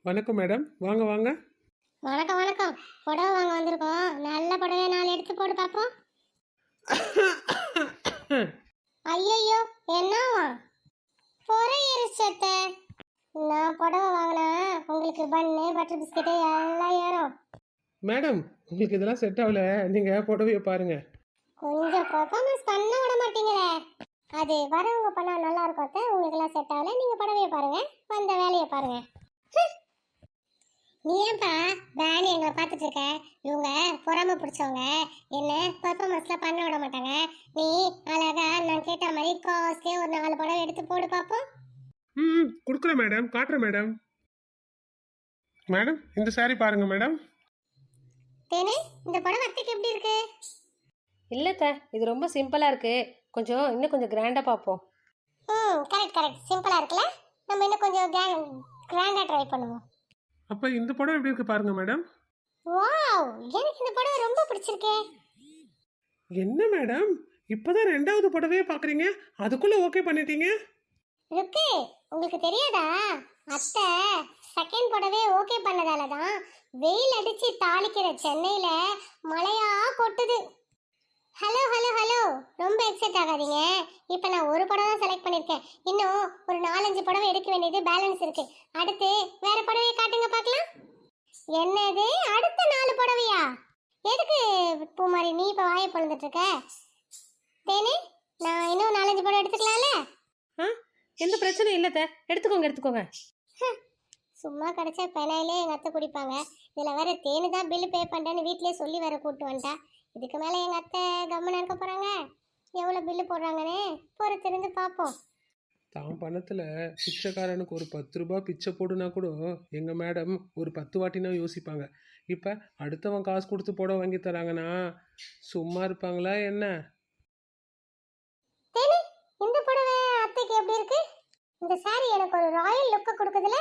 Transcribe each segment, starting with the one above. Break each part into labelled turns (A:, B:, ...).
A: வணக்கம் மேடம், வாங்க வாங்க.
B: வணக்கம் வணக்கம். புடவை வாங்க வந்திருக்கோம். நல்ல புடவை 4 எடுத்து போட்டு பார்ப்போம். ஐயையோ, என்னவா பொறை எரிச்சத்த? நான் புடவை வாங்கினா உங்களுக்கு பன்னு பட்டர் பிஸ்கெட்டு எல்லாம் ஏறும்.
A: மேடம், உங்களுக்கு இதெல்லாம் செட் ஆகல. நீங்க புடவைய பாருங்க.
B: கொஞ்சம் பர்ஃபார்மன்ஸ் பண்ண விட மாட்டீங்களே. அது வரவங்க பண்ணா நல்லா இருக்கும் அத்தை. உங்களுக்கு எல்லாம் செட் ஆகல. நீங்க புடவைய பாருங்க, வந்த வேலையை பாருங்க. நீ ஏன்பா வேணி எங்களை பார்த்துட்டு இருக்க? இவங்க பொறாம பிடிச்சவங்க, என்ன பர்ஃபார்மன்ஸ்லாம் பண்ண விட மாட்டாங்க. நீ அழகா நான் கேட்ட மாதிரி காஸ்ட்லி ஒரு 4 புடவை எடுத்து போடு பார்ப்போம்.
A: கொடுக்குறேன் மேடம், காட்டுறேன் மேடம். மேடம், இந்த saree பாருங்க மேடம்.
B: தேனே, இந்த புடவை அத்தைக்கு எப்படி இருக்கு?
C: இல்லைத்த, இது ரொம்ப சிம்பிளாக இருக்குது. இன்னும் கொஞ்சம் கிராண்டாக பார்ப்போம்.
B: கரெக்ட் கரெக்ட், சிம்பிளா இருக்குல்ல. நம்ம இன்னும் கொஞ்சம் கிராண்டா ட்ரை பண்ணுவோம்.
A: அப்ப இந்த புடவை எப்படி இருக்கு பாருங்க மேடம்.
B: வாவ், எனக்கு இந்த புடவை ரொம்ப பிடிச்சிருக்கே.
A: என்ன மேடம், இப்பதான் 2வது புடவையே பாக்குறீங்க, அதுக்குள்ள ஓகே பண்ணிட்டீங்க?
B: ருக்கு, உங்களுக்கு தெரியாதா? அத்தை செகண்ட் புடவை ஓகே பண்ணதால தான் வெயில் அடிச்சு தாளிக்கிற சென்னையில மழையா கொட்டுது. ஹலோ ஹலோ ஹலோ, ரொம்ப எக்ஸைட் ஆகாதீங்க. இப்போ நான் ஒரு புடவை தான் செலக்ட் பண்ணியிருக்கேன். இன்னும் ஒரு 4-5 புடவை எடுக்க வேண்டியது பேலன்ஸ் இருக்கு. அடுத்து வேற புடவையை காட்டுங்க பார்க்கலாம். என்னது, அடுத்த 4 புடவையா? எதுக்கு பூமாரி நீ இப்போ வாயை பொழுதுட்டு இருக்க? தேனே, நான் இன்னும் 4-5 புடவை எடுத்துக்கலாம்ல?
C: எந்த பிரச்சனையும் இல்லைத்த, எடுத்துக்கோங்க.
B: சும்மா கிடைச்சா பெனாயிலே எங்கள் அத்தை குடிப்பாங்க. இதில் வேற தேனு தான் பில்லு பே பண்ணுறேன்னு வீட்டிலே சொல்லி வேற கூப்பிட்டு வந்துட்டா. இதுக்கு மேலே எங்கள் அத்தை கம்முன்னு இருக்க போகிறாங்க? எவ்வளோ பில்லு போடுறாங்கன்னு பொறுத்திருந்து பார்ப்போம்.
A: தான் பணத்துல பிச்சைக்காரனுக்கு ஒரு 10 ரூபாய் பிச்சை போடுனா கூட எங்க மேடம் ஒரு 10 வாட்டினா யோசிப்பாங்க. இப்ப அடுத்தவன் காசு கொடுத்து புடவை வாங்கி தராங்கன்னா சும்மா இருப்பாங்களா என்ன?
B: தேனி, இந்த புடவை அத்தைக்கு எப்படி இருக்கு? இந்த சாரி எனக்கு ஒரு ராயல் லுக்கை கொடுக்குதுல?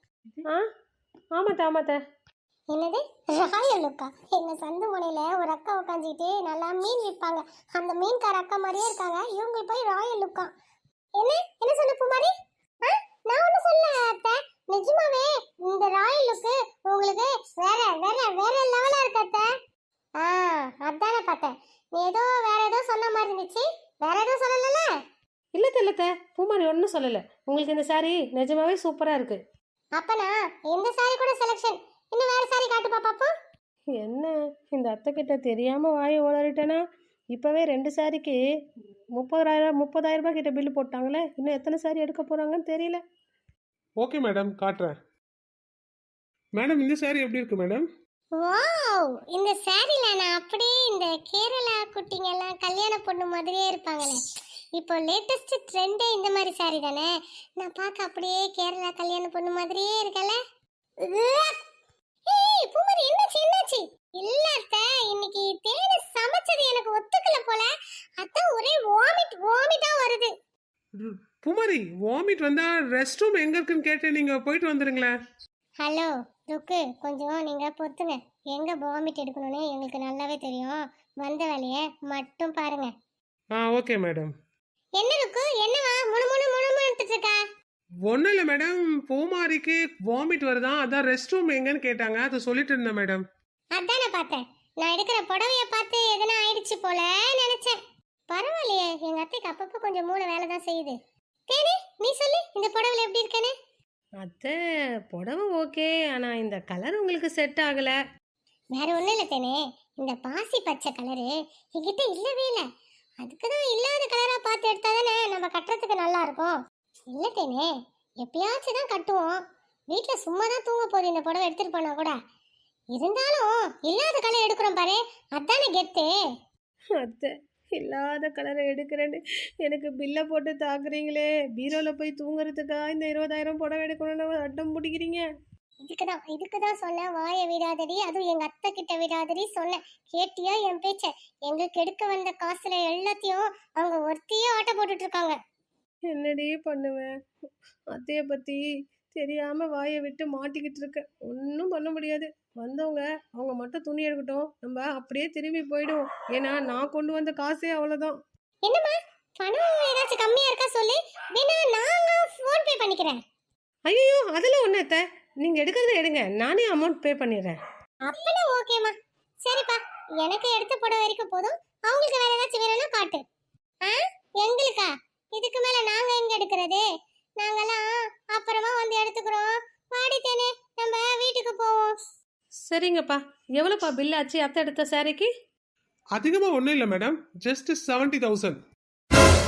C: ஆமாத்த.
B: என்னது ராயல் லுக்கா? எங்க சந்து முனையில ஒரு அக்கா உட்காந்துக்கிட்டு நல்லா மீன் விற்பாங்க. அந்த மீன்கார அக்கா மாதிரியே இருக்காங்க. இவங்க போய் ராயல் லுக்கா? என்ன என்ன சொன்ன பூமாரி? நான் ஒன்றும் சொல்ல அத்தை. நிஜமாவே இந்த ராயல் லுக்கு உங்களுக்கு வேற வேற வேற லெவலா இருக்கு அத்தை. அதானே பார்த்தேன். நீ ஏதோ வேற ஏதோ சொன்ன மாதிரி இருந்துச்சு. வேற எதுவும் சொல்லல?
C: இல்லத்த, பூமாரி ஒன்றும் சொல்லலை. உங்களுக்கு இந்த சாரி நிஜமாவே சூப்பராக இருக்குது.
B: அப்பனா இந்த சாரி கூட செலக்ஷன். இன்னும் வேற சாரி காட்டு பாப்போம்.
C: என்ன, இந்த அத்தை கிட்ட தெரியாமல் வாயை உளறிட்டேனா? இப்போவே 2 சாரிக்கு 30,000 ரூபாய் கிட்ட பில்லு போட்டாங்களே. இன்னும் எத்தனை சாரி எடுக்க போகிறாங்கன்னு தெரியல.
A: ஓகே மேடம், காட்டுறேன். மேடம், இந்த saree எப்படி இருக்கு மேடம்?
B: வாவ், இந்த சாரில நான் அப்படியே இந்த கேரளா குட்டிங்க எல்லாம் கல்யாண பொண்ணு மாதிரியே இருப்பாங்களே. இப்போ லேட்டஸ்ட் ட்ரெண்டே இந்த மாதிரி சாரி தானே. நான் பார்க்க அப்படியே கேரளா கல்யாண பொண்ணு மாதிரியே இருக்கல. ஏய் பூமாரி, என்னாச்சு? இல்ல அத்தை, இன்னைக்கு தேனு சமைச்சது எனக்கு ஒத்துக்கல போல. அத்தை ஒரே வாமிட்டா வருது.
A: பூமாரி, வாமிட் வந்தா ரெஸ்ட் ரூம் எங்க இருக்குன்னு கேட்டு நீங்க போயிட்டு வந்துருங்களேன்.
B: ஹலோ ருக்கு, கொஞ்சம் நீங்க பொறுத்துங்க. எங்க வாமிட் எடுக்கணும்னு எங்களுக்கு நல்லாவே தெரியும். வந்த வேலையை மட்டும் பாருங்க.
A: Okay madam.
B: என்ன ருக்கு, என்னவா முணு முணு முணு முணுத்துட்டு இருக்கா?
A: ஒன்றும் இல்லை மேடம், பூமாரிக்கு வாமிட் வருதான், அதான் ரெஸ்ட் ரூம் எங்கன்னு கேட்டாங்க, அதை சொல்லிட்டு இருந்தேன் மேடம்.
B: அதானே பார்த்தேன். நான் எடுக்கிற புடவைய பார்த்து எதனா ஆயிடுச்சு போல நினைச்சேன். பரவாயில்லையே, எங்க அத்தைக்கு அப்பப்போ கொஞ்சம் மூளை வேலை தான் செய்யுது. தேனி, நீ சொல்லு, இந்த புடவைல எப்படி இருக்கேன்னு?
C: அத்தை, புடவை ஓகே, ஆனால் இந்த கலர் உங்களுக்கு செட் ஆகலை.
B: வேற ஒன்றும் இல்லை தேனே, இந்த பாசி பச்சை கலரு என்கிட்ட இல்லவே இல்லை. அதுக்கு தான் இல்லாத கலராக பார்த்து எடுத்தா தானே நம்ம கட்டுறதுக்கு நல்லா இருக்கும். இல்லை தேனே, எப்பயாச்சும் தான் கட்டுவோம். வீட்டில் சும்மா தான் தூங்க போகுது இந்த புடவை எடுத்துகிட்டு போனா கூட. இருந்தாலும் இல்லாத கலர் எடுக்கிறோம் பாரு, அதானே கெத்து.
C: அத்தை, இல்லாத கலரை எடுக்கிறேன்னு எனக்கு பில்லை போட்டு தாக்குறீங்களே. பீரோவில் போய் தூங்குறதுக்கா இந்த 20,000 புடவை எடுக்கணும்னு அட்டம் பிடிக்கிறீங்க?
B: இதுக்குதான் சொன்னேன், வாயை விடாதடி. அதுவும் எங்க அத்தை கிட்ட விடாதடி சொன்னேன். கேட்டியா என் பேச்ச? எங்களுக்கு எடுக்க வந்த காசுல எல்லாத்தையும் அவங்க ஒருத்தையே ஆட்ட போட்டுட்டு இருக்காங்க.
C: என்னடி பண்ணுவேன்? அத்தையை பற்றி தெரியாமல் வாயை விட்டு மாட்டிக்கிட்டு இருக்கேன். ஒன்றும் பண்ண முடியாது. வந்தவங்க அவங்க மட்டும் துணி எடுக்கட்டும், நம்ம அப்படியே திரும்பி போயிடுவோம். ஏன்னா நான் கொண்டு வந்த காசே அவ்வளோதான்.
B: என்னம்மா, பணம் ஏதாச்சும் கம்மியா இருக்கா சொல்லு, வேணா நான் ஃபோன் பே பண்ணிக்கிறேன்.
C: ஐயோ அதெல்லாம் ஒன்றும் அத்தை, நீங்கள் எடுக்கிறத எடுங்க, நானே அமௌண்ட் பே பண்ணிடுறேன்.
B: அப்பனா ஓகேம்மா. சரிப்பா, எனக்கு எடுத்த புடவை வரைக்கும் போதும். அவங்களுக்கு வேற ஏதாச்சும் வேணும்னா காட்டு. ஆ, எங்களுக்கா? இதுக்கு மேல நாங்க எங்க எடுக்கிறது? நாங்கெல்லாம் அப்புறமா வந்து எடுத்துக்கிறோம். வாடி தேனே, நம்ம வீட்டுக்கு போவோம்.
C: சரிங்கப்பா, எவ்வளோப்பா பில் ஆச்சு அத்தை எடுத்த சாரிக்கு?
A: அதிகமாக ஒன்றும் இல்லை மேடம், ஜஸ்ட் 70,000.